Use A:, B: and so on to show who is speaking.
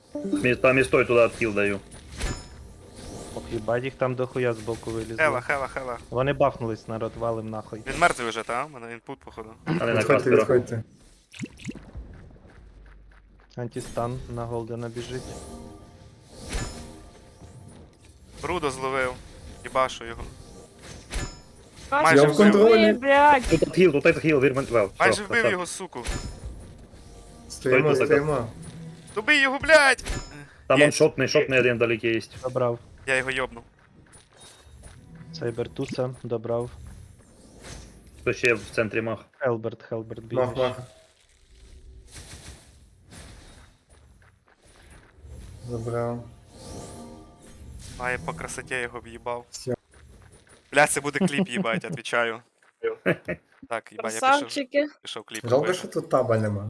A: Там і стой туди отхил даю.
B: Ох, їбать, їх там дохуя збоку вилізли.
C: Хела.
B: Вони бафнулись, народ, валим нахуй.
C: Він мертвий вже, та? У мене інпут, походу.
A: Але на
D: Відходьте,
A: Каспера.
D: відходьте.
B: Антистан на Голдена біжить.
C: Брудо зловив. Їбашу його.
E: А,
C: Майже
D: Я в
C: вбив.
D: контролі.
E: блядь.
A: Тут отхил, Вірмен Вел.
C: Майже вбив його, суку.
D: Стоїмо,
A: Стойте,
D: стоїмо.
C: Добий його, блядь!
A: Там
C: Є.
A: он шотний один вдалеке є.
B: Добрав.
C: Я його йобнув.
B: Сайбертуса, добрав.
A: Хто ще в центрі мах.
B: Хелберт
D: Мах,
B: бігаєш.
D: мах. Забрав.
C: Має по красоті його в'їбав.
D: Всё.
C: Блядь, це буде кліп їбать, отвечаю. Так, їбать, я
E: Красавчики.
C: пішов кліп
D: Жалко,
C: робити.
D: що тут таба нема.